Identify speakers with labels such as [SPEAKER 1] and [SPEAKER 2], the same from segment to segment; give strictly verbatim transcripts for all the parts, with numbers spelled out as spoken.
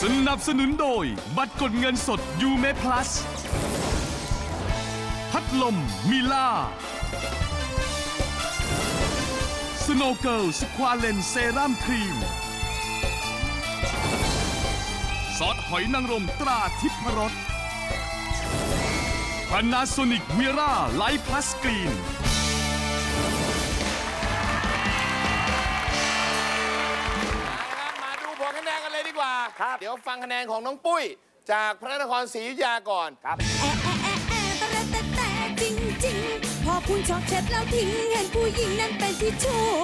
[SPEAKER 1] นับสนุนโดยบัตรกดเงินสดยูเมพลัสพัดลมมิล่าสโนว์เกิลสควาเลนเซรั่มครีมซอสหอยนางรมตราทิพรสพานาโซนิกเวร่าไลท์พลัสกรีน
[SPEAKER 2] มาดูผลคะแนนกันเลยดีกว่า
[SPEAKER 3] ครับ
[SPEAKER 2] เดี๋ยวฟังคะแนนของน้องปุ้ย จากพระนครศรีอยุธยาก่อน
[SPEAKER 3] ครับ
[SPEAKER 4] แอะแอะแอะแอะแต่แต่แต่จริงจริงพอคุณชอบเช็ดแล้วทิ้งเห็นผู้หญิงนั้นเป็นที่ชู้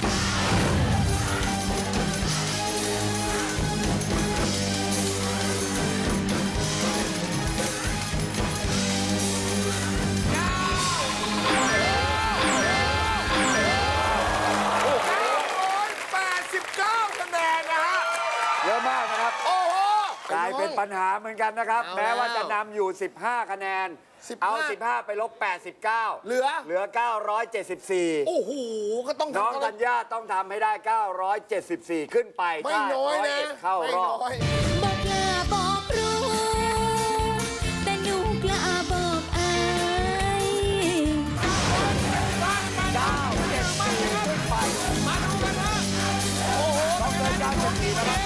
[SPEAKER 2] แปดสิบเก้าคะแนนนะฮะ
[SPEAKER 3] เยอะมากนะครับ
[SPEAKER 2] โอ้โห
[SPEAKER 3] กลายเป็นปัญหาเหมือนกันนะครับ
[SPEAKER 2] เอา
[SPEAKER 3] แม้ว่า
[SPEAKER 2] แล้ว
[SPEAKER 3] จะนำอยู่ สิบห้า คะแนน
[SPEAKER 2] สิบห้า
[SPEAKER 3] เอา สิบห้า ไปลบ แปดสิบเก้า
[SPEAKER 2] เหลือ
[SPEAKER 3] เหลือ เก้าร้อยเจ็ดสิบสี่
[SPEAKER 2] โอ้โห ก็ต้อง
[SPEAKER 3] น้อง
[SPEAKER 2] ทำ
[SPEAKER 3] ธัญญาต้องทำให้ได้ เก้าร้อยเจ็ดสิบสี่ ขึ้นไป
[SPEAKER 2] ไม่
[SPEAKER 3] ถ้า
[SPEAKER 2] น้อย
[SPEAKER 3] ร้อย
[SPEAKER 2] นะ
[SPEAKER 3] เอ็ดเข้ารอบ
[SPEAKER 2] ไม่น้อย
[SPEAKER 4] บอกกล้าบอกรู้ แต่หนูกล้าบอกอาย
[SPEAKER 3] เก้าเจ็ดสี่ขึ้นไป
[SPEAKER 2] มาดูกันนะโอ้โห
[SPEAKER 3] ต้องเกินเก้าเจ็ดสี่นะครับ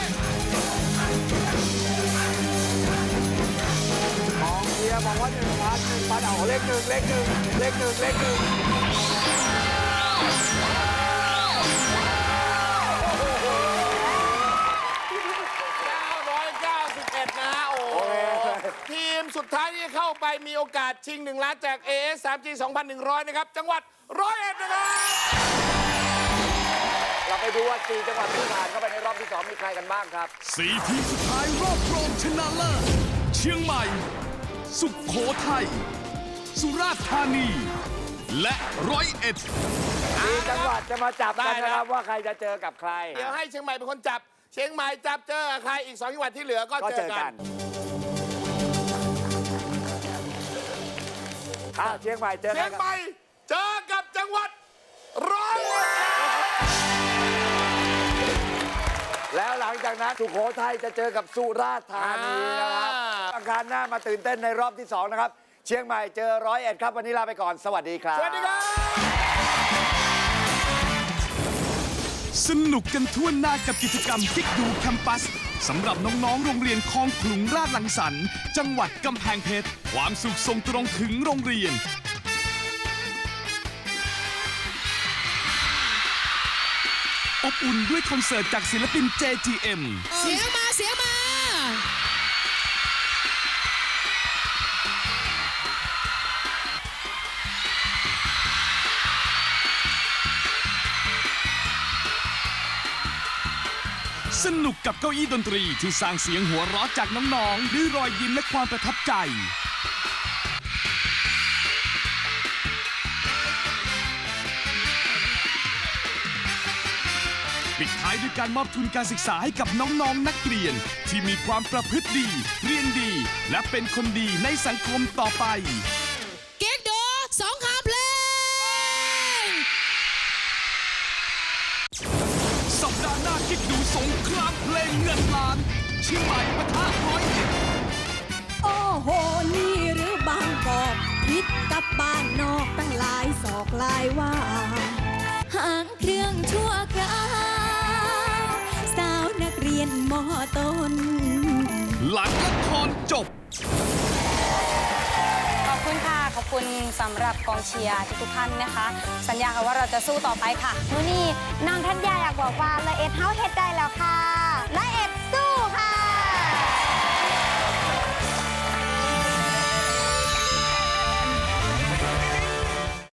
[SPEAKER 3] กองเชียร์บอกว่าหนึ่งพันหนึ่งพันเอาเลขหนึ่งเลขหนึ่งเลขหนึ่งเลขหนึ่ง
[SPEAKER 2] เก้าร้อยเก้าสิบเอ็ดนะฮะ โอ้โห ทีมสุดท้ายที่เข้าไปมีโอกาสชิงหนึ่งล้านจาก เอ เอส ทรี จี สองพันหนึ่งร้อย นะครับ จังหวัดร้อยเอ็ดนะครับ
[SPEAKER 3] เราไปดูว่าสี่จังหวัดที่ผ่านเข้าไปในรอบที่สองมีใครกันบ้างครับ
[SPEAKER 1] สี่ทีมสุดท้ายรอบรองชนะเลิศเชียงใหม่ สุขโขทัยสุราษฎร์ธานี และร้อยเอ็ด
[SPEAKER 3] สี่จังหวัดจะมาจับกัน
[SPEAKER 2] ได้
[SPEAKER 3] นะ
[SPEAKER 2] นะ
[SPEAKER 3] ครับว่าใครจะเจอกับใคร
[SPEAKER 2] เดี๋ยวให้เชียงใหม่เป็นคนจับ เชียงใหม่จับเจอกับใครอีกสองจังหวัดที่เหลือก็
[SPEAKER 3] ก็
[SPEAKER 2] เจ
[SPEAKER 3] เจ
[SPEAKER 2] อ
[SPEAKER 3] อ
[SPEAKER 2] กั
[SPEAKER 3] กัน นอ้าวเชียงใหม่เจอ
[SPEAKER 2] เชี
[SPEAKER 3] กั
[SPEAKER 2] ย
[SPEAKER 3] น
[SPEAKER 2] ง
[SPEAKER 3] ครับ
[SPEAKER 2] ใหม่เจอกับจังหวัดร้อยเอ็ด
[SPEAKER 3] แล้วหลังจากนั้นสุโขทัยจะเจอกับสุราษฎร์ธานีนะครับอังคารหน้ามาตื่นเต้นในรอบที่สองนะครับ เชียงใหม่เจอร้อยเอ็ดครับ วันนี้ลาไปก่อน สวัสดีครับ
[SPEAKER 2] สวัสดีครับ
[SPEAKER 1] สนุกกันทั่วหน้ากับกิจกรรมกิ๊กดูแคมปัสสำหรับน้องๆ โรงเรียนคลองขลุงราชลังสรรค์จังหวัดกำแพงเพชร ความสุขส่งตรงถึงโรงเรียน อบอุ่นด้วยคอนเสิร์ตจากศิลปิน เจ ที เอ็ม
[SPEAKER 5] เสียงมาเสียงมา
[SPEAKER 1] สนุกกับเก้าอี้ดนตรีที่สร้างเสียงหัวเราะจากน้องๆด้วยรอยยิ้มและความประทับใจ ปิดท้ายด้วยการมอบทุนการศึกษาให้กับน้องๆ นักเรียน ที่มีความประพฤติดี เรียนดี และเป็นคนดีในสังคมต่อไป
[SPEAKER 5] เก๊กโดสองคำเพลง
[SPEAKER 1] สัปดาห์หน้าคิดดูสงครามเพลงเงินล้านเชียงใหม่ปะทะร้อยเอ็ด
[SPEAKER 4] โอ้โห นี่หรือบางกอกพิษกับบ้านนอกตั้งหลายศอกหลายว่าหางเครื่องชั่วคราวสาวนักเรียนมอต้น
[SPEAKER 1] หลังละครจบ
[SPEAKER 6] ขอบคุณค่ะ ขอบคุณสำหรับกองเชียร์ทุกๆท่านนะคะ สัญญาค่ะว่าเราจะสู้ต่อไปค่ะ
[SPEAKER 7] มื้อนี้น้องทัญญาอยากบอกว่าละเอ็ดเฮาเฮ็ดได้แล้วค่ะละเอ็ด